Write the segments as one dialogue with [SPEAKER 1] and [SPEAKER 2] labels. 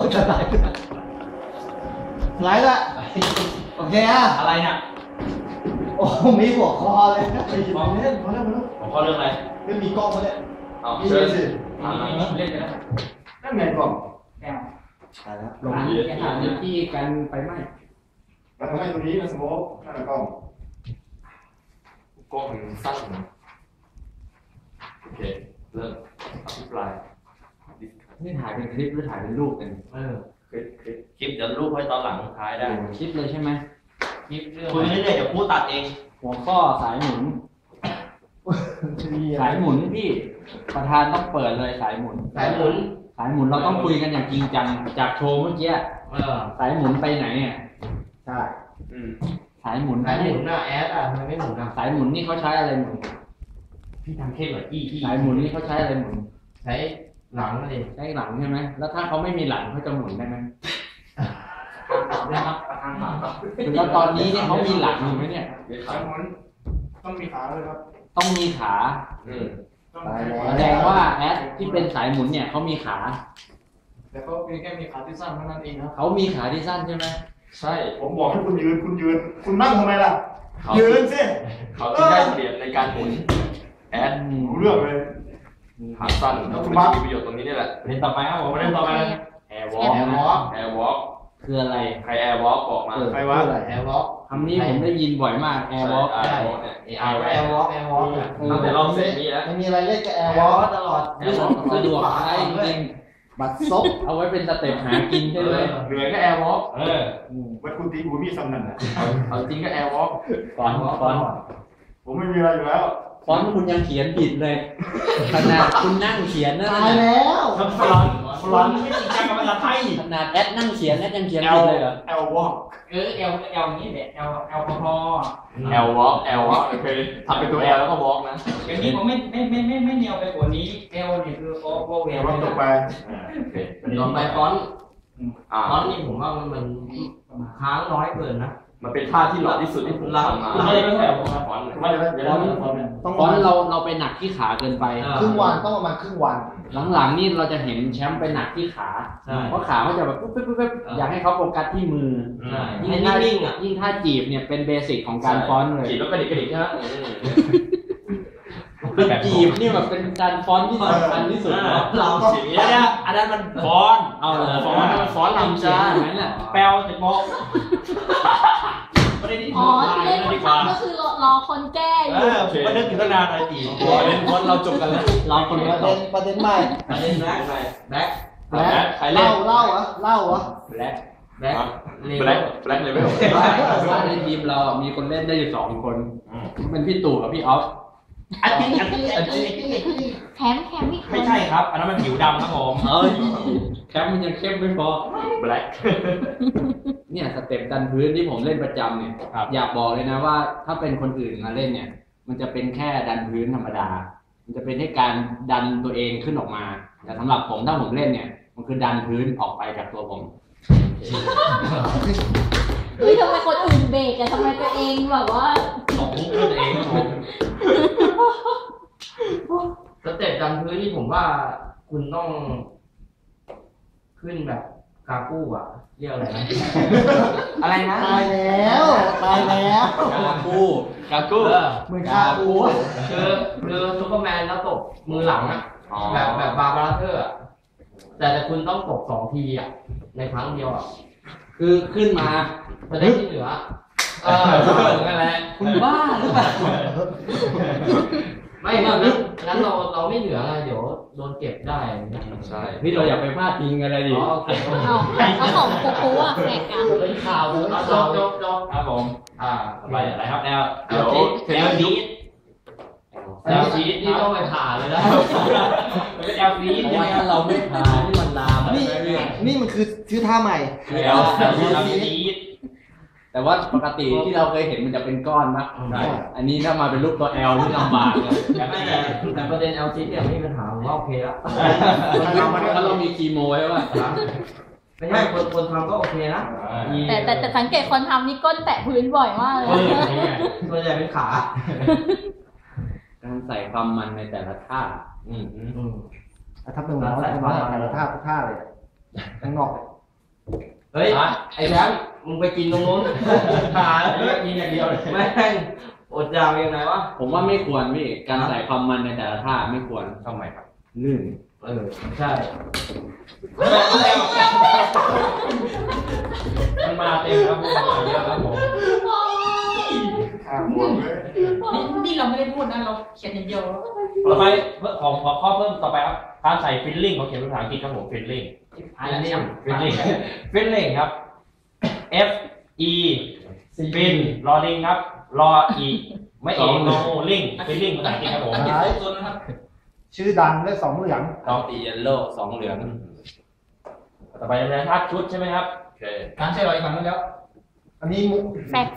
[SPEAKER 1] จะไลฟ์ไลฟ์ละโอเคอ่ะ
[SPEAKER 2] อะไรเนี่ย
[SPEAKER 1] โอ้มีหัวคอเลยไปหยิบมาเล่นมาเล่นมาเล่น
[SPEAKER 2] ผมข้อเรื่องอะไร
[SPEAKER 1] ไม่มีกล้องมาเนี่ย
[SPEAKER 2] เอาเชิญสิเล่นกันนะ
[SPEAKER 1] นั่นไงกล้อง
[SPEAKER 3] แก้ว
[SPEAKER 1] ใช่แล้ว
[SPEAKER 3] ลงสถานที่กันไปไหม
[SPEAKER 1] แล้วทำไมตัวนี้มันสโมกนั่นแหละกล้อง
[SPEAKER 2] มันสั้นโอเคเริ่มอภิปราย
[SPEAKER 3] นี่ถ่ายเป็นคลิปหรือถ่ายเป็นรูปกัน
[SPEAKER 2] คลิปเดี๋ยวรูปไว้ตอนหลังท้ายได้
[SPEAKER 3] คลิปเลยใช่ไหม
[SPEAKER 2] คลิปเรื่องคุยเรื่อยๆเดี๋ยวพูดตัดเอง
[SPEAKER 3] หัวข้อสายหมุนสายหมุนพี่ประธานต้องเปิดเลยสายหมุน
[SPEAKER 2] สายหมุน
[SPEAKER 3] เราต้องคุยกันอย่างจริงจังจากโชว์เมื่อกี้สายหมุนไปไหนเนี่ย
[SPEAKER 1] ใช่
[SPEAKER 3] สายหมุน
[SPEAKER 2] น่ะแอดทำไมไม่หมุน
[SPEAKER 3] สายหมุนนี่เขาใช้อะไรหมุน
[SPEAKER 2] พี่ทำเข้มหน่อยพี่
[SPEAKER 3] สายหมุนนี่เขาใช้อะไรหมุน
[SPEAKER 2] ใช้หลังเลย
[SPEAKER 3] ใช้หลังใช่ไหมแล้วถ้าเขาไม่มีหลังเขาจะหมุนได้ไหมแล้วตอนนี้เนี่ยเขามีหลังอยู่ไหมเนี่ย
[SPEAKER 1] สายหมุนต้องมีขาเลยครับ
[SPEAKER 3] ต้องมีขาแสดงว่าแอดที่เป็นสายหมุนเนี่ยเขามีขา
[SPEAKER 1] แต่ก็แค่มีขาที่สั้นเท่านั้นเองครับ
[SPEAKER 3] เขามีขาที่สั้นใช่ไหม
[SPEAKER 2] ใช่
[SPEAKER 1] ผมบอกให้คุณยืนคุณนั่งทำไมล่ะยืนสิ
[SPEAKER 2] เขาที่ได้เปรียบในการหมุนแอด
[SPEAKER 1] รู้เรื่องเลย
[SPEAKER 2] ขาสั้นแล้วคุณมีประโยชน์ตรงนี้นี่แหละเล่นต่อไปครับผมเล่นต่อไปแอร์วอล์ก
[SPEAKER 3] คืออะไร
[SPEAKER 2] ใครแอร์วอล์กบอกมา
[SPEAKER 1] ใครว่า
[SPEAKER 2] แอร์วอล์ก
[SPEAKER 3] คำนี้ผมได้ยินบ่อยมากแอร์วอล์ก
[SPEAKER 2] แอร์วอล์กตั้งแต่เราเสร็จนี่แล้ว
[SPEAKER 1] ไม่มีอะไรเล่นกับแอร์วอล์กตลอด
[SPEAKER 3] สะดวกใช้จริงบัตรซบเอาไว้เป็นสเต็ปหากินใช่ไหม
[SPEAKER 2] เหนื่อยก็แอร์วอล์ก
[SPEAKER 1] วัดคุณตีผมมีซ้ำนั่นนะ
[SPEAKER 2] เอาจริงก็แอร์วอล์ก
[SPEAKER 3] ฟอน
[SPEAKER 1] ผมไม่มีอะไรอยู่แล้ว
[SPEAKER 3] ฟอนคุณยังเขียนผิดเลยขนาดคุณนั่งเขียนนั่น
[SPEAKER 1] ตายแล้ว
[SPEAKER 2] ฟอนไม่จริงจังกับภาษาไทย
[SPEAKER 3] ขนาดแอดนั่งเขียนแอดยังเขียนผิดเลยเหรอ
[SPEAKER 1] แอลวอล์ก
[SPEAKER 3] แอลนี่แหละแอลพอ
[SPEAKER 2] แอลวอล์กโอเคทำเป็นตัวแอลแล้วก็วอล์กนะ
[SPEAKER 3] อย่างนี้ผมไม่เนียวไปกว่านี้แอลนี่คือโอเวอร์
[SPEAKER 1] ตกไป
[SPEAKER 3] ต่อไปฟอนนี่ผมว่ามันค้างน้อยเกินนะ
[SPEAKER 2] มันเป็นท่าที่หล่อที่สุดที่ผมทำมา
[SPEAKER 3] ไม่ได้แค่ฟอนเราไปหนักที่ขาเกินไป
[SPEAKER 1] ครึ่งวันต้องประมาณครึ่งวัน
[SPEAKER 3] หลังๆนี่เราจะเห็นแชมป์ไปหนักที่ขาเพราะขาเขาจะแบบปุ๊บอยากให้เขาโฟกัสที่มือยิ่งท่าจีบเนี่ยเป็นเบสิกของการฟ้อนเลย
[SPEAKER 2] จีบแล้วกระดิกใช่ไหม
[SPEAKER 3] จีบนี่แบบเป็นการฟ้อนที่สำคัญที่สุด
[SPEAKER 2] เราจีบเนี่ยอันนั้นมันฟ้อนฟ้อนลำจ้าแปลวติดโม
[SPEAKER 4] อ๋อที่เล่นคนทำก็คือรอคนแก้อยู่
[SPEAKER 2] ประเด็นถึงนานอะไรตีประเด็นคนเราจบกันแล้ว
[SPEAKER 3] เราคน
[SPEAKER 1] ประเด็นใหม่
[SPEAKER 2] ประเด็นแบล็ค
[SPEAKER 1] ใครเล่นเล่า
[SPEAKER 2] แบล็คเลเวล
[SPEAKER 3] ในทีมเรามีคนเล่นได้อยู่2 คนเป็นพี่ตู่กับพี่ออฟ
[SPEAKER 4] แคมพี่
[SPEAKER 2] ไม่ใช่ครับอันนั้นมันผิวดำครับผม
[SPEAKER 3] แคมมันยังเข้มไม่พอ
[SPEAKER 2] แบล็ค
[SPEAKER 3] เนี่ยสเต็ปดันพื้นที่ผมเล่นประจำเนี่ยอยากบอกเลยนะว่าถ้าเป็นคนอื่นมาเล่นเนี่ยมันจะเป็นแค่ดันพื้นธรรมดามันจะเป็นให้การดันตัวเองขึ้นออกมาแต่สำหรับผมถ้าผมเล่นเนี่ยมันคือดันพื้นออกไปจากตัวผม
[SPEAKER 4] เฮ้ยทำไมคนอื่นเบรกอะทำไมตัวเองแบบว่า
[SPEAKER 2] ตกมุกตัวเอง
[SPEAKER 3] สเต็ปดันพื้นนี่ผมว่าคุณต้องขึ้นแบบกากู้อะเรียกอะไรนะอะไรนะ
[SPEAKER 1] ตายแล้ว
[SPEAKER 3] กากู้
[SPEAKER 1] เหมือนกากู้
[SPEAKER 3] คือซุปเปอร์แมนแล้วตบมือหลังอะแบบบาร์บาราเธอร์แต่คุณต้องตบ2 ทีอะในครั้งเดียวอะคือขึ้นมาจะได้ที่เหลือนั่นแหละคุณบ้าหรือเปล่าไม่นั้นเราไม่เหลืออะไรเดี๋ยวโดนเก็บได้
[SPEAKER 2] ใช่
[SPEAKER 3] พี่เราอย่าไปพลาดพิงอะไรดิ
[SPEAKER 4] ก็ของคูอ่ะแข่งกัน
[SPEAKER 1] เป็นข่าวจ
[SPEAKER 2] บครับผมไปอะไรครับแอล
[SPEAKER 3] ชีสนี่ต้องไปผ่าเลยนะแอลชีสถ้าเราไม่ผ่าที่มันลาม
[SPEAKER 1] นี่มันคือชื่อท่าใหม่
[SPEAKER 3] แอลชีสแต่ว่าปกติที่เราเคยเห็นมันจะเป็นก้อนนะอันนี้ถ้ามาเป็นรูปตัว L นี่ลำบากเลยแต่ประเด็น L ชีสเนี่ยไม่มีปัญหาผมว่าโอเคแล้วถ้าเรามีคีโมใช่ป่ะไม่ใช่คนทำก็โอเคนะ
[SPEAKER 4] แต่สังเกตคนทำนี่ก้นแตะพื้นบ่อยมากเลย
[SPEAKER 3] ส่วนใหญ่เป็นขาการใส่ความมันในแต่ละท่า
[SPEAKER 1] ถ้าเป็นหัวแต่ละท่าทุกท่าเลยข้างนอก
[SPEAKER 3] เฮ้ยไอ้แชมป์มึงไปกินตรงนู้นหาเลือกกินอย่างเดียวเลยแม่งอดอยากยังไงวะผมว่าไม่ควรพี่การใส่ความมันในแต่ละท่าไม่ควรทำไมครับลื่นใช่มันมาเต็มครับผมมาเยอะครับผม
[SPEAKER 4] นี่เราไม่ได้พูดนะเราเขียนอย่างเดียว
[SPEAKER 3] ต่อไปของข้อเพิ่มต่อไปครับการใส่ฟิลลิ่งของเขียนภาษาอังกฤษครับผมฟิลลิ่งครับ F E ฟินรอลิงครับรออีไม่เองโนลิงฟิลลิ่งภาษาอังกฤษครับผม
[SPEAKER 1] ชื่อดังได้2เหลือง
[SPEAKER 3] ดอกตีเยลโล่2เหลืองต่อไปเป็นท่าชุดใช่ไหมครับโอเค
[SPEAKER 1] การใช้รอยครั้งนั้นแล้วอันนี้มุก
[SPEAKER 4] แฟก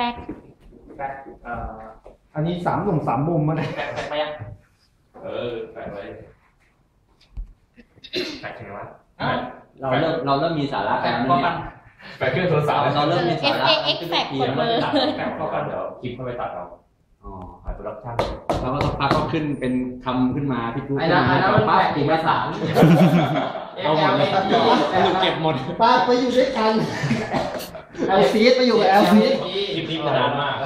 [SPEAKER 1] อันนี้3 หนุ่ม 3 มุมมาเลย
[SPEAKER 3] แฟกไปยังแฟกไว้แฟกยังไงวะเราเริ่มมีสาระกันแฟกเครื่องโทรศัพท์เราเริ่มมีสาระ
[SPEAKER 4] FAX แฟกคนเลย
[SPEAKER 3] แฟกเข้ากันเดี๋ยวคลิปเข้าไปตัดเราหายโปรดักชั่นแล้วก็ต้องพักก็ขึ้นเป็นคำขึ้นมาพี่กูไอ้นั่นมันแปลกอีกภาษาเราหมดเลยเก็บหมด
[SPEAKER 1] ป้าไปอยู่ด้วยกันแอลซีไปอยู่กับแอลซี
[SPEAKER 3] คลิปนี้นานมาก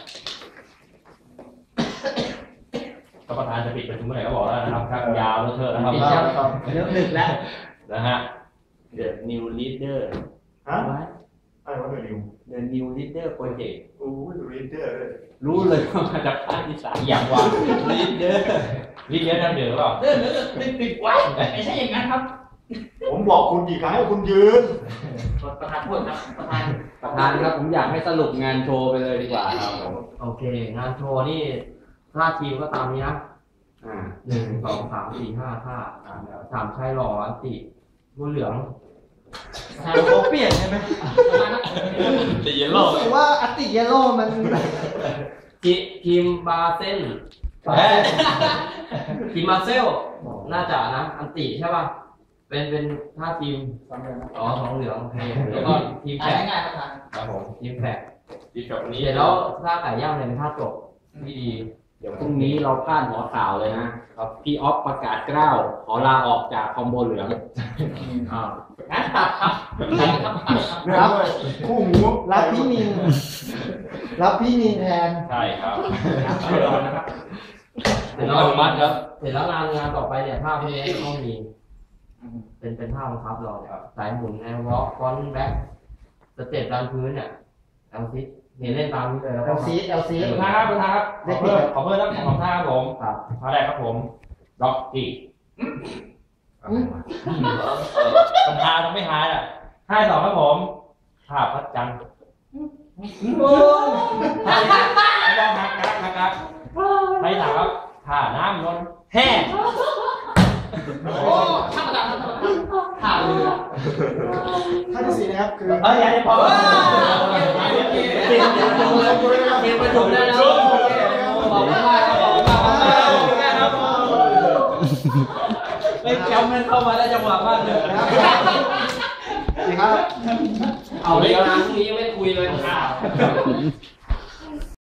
[SPEAKER 3] ท่านประธานจะปิดประชุมเมื่อไหร่ก็บอกแล้วนะครับครับยาวแล้วเถอะนะครับ
[SPEAKER 1] เริ่มดึกแล้ว
[SPEAKER 3] นะฮะ The New Leader
[SPEAKER 2] ฮะอะไรวะ
[SPEAKER 3] The New Leader Project
[SPEAKER 2] โอ้ย Leader
[SPEAKER 3] รู้เลยว่ามาจากภาคอีสานอย่างว่า Leader นั่นเดือดหรอ
[SPEAKER 4] ติดไว้ไม่ใช่อย่างนั้นครับ
[SPEAKER 2] ผมบอกคุณกี่ครั้งให้คุณยืน
[SPEAKER 4] ประธานพูดครับประธาน
[SPEAKER 3] ครับผมอยากให้สรุปงานโชว์ไปเลยดีกว่าครับโอเคงานโชว์นี่ท่าทีมก็ตามนี้นะ1 2 3 4 5ท่า3ชายหล่ออันติผู้เหลือง
[SPEAKER 1] เขาเปลี่ยนใช่ไหม
[SPEAKER 3] ติเยลโล่
[SPEAKER 1] รู้สึกว่าอัติเยลโล่มัน
[SPEAKER 3] ทีมบาเซนทีมมาเซลน่าจะนะอันติใช่ป่ะเป็นท่าทีม2 เหลืองโอเคแล้วก็ทีมแฝกครับผมทีมแฝกวันนี้เสร็จแล้วท่าไก่ย่างเนี่ยเป็นท่าจบที่ดีเดี๋ยวพรุ่งนี้เราพลาดหัวข่าวเลยนะครับพี่ออฟประกาศกล้าวขอลาออกจากคอมโบเหลือง
[SPEAKER 1] ครับคู่หูรับพี่นินแทน
[SPEAKER 3] ใช่ครับเสร็จแล้วมัดครับเสร็จแล้วงานต่อไปเนี่ยท่าพวกนี้ต้องมีเป็นท่าบังคับเราสายหมุนแนววอล์กฟอนต์แบ็คสเต็ปดันพื้นเนี่ยเอาซิเล่นตามนี้เลยแล้วก็
[SPEAKER 1] เอลซี
[SPEAKER 3] ท่าครับขอเพิ่มทั้ง2ท่าครับผมท่าแรกครับผมล็อกกี้ปัญหาต้องไม่หายอ่ะท่า2ครับผมท่าพัดจันทร์ท่าไม่ต้องนะครับท่า3ครับท่าน้ำนนแห้ง
[SPEAKER 1] ท่าเรือท่าที่4นะครับคือ
[SPEAKER 3] อย่าได้พอเก็บประชุมได้แล้วขอบคุณมากครับไม่จำมันเข้ามาได้จังหวะมากเลย
[SPEAKER 1] ครับ
[SPEAKER 3] เอาเลยนะพรุ่งนี้ยังไม่คุยเลย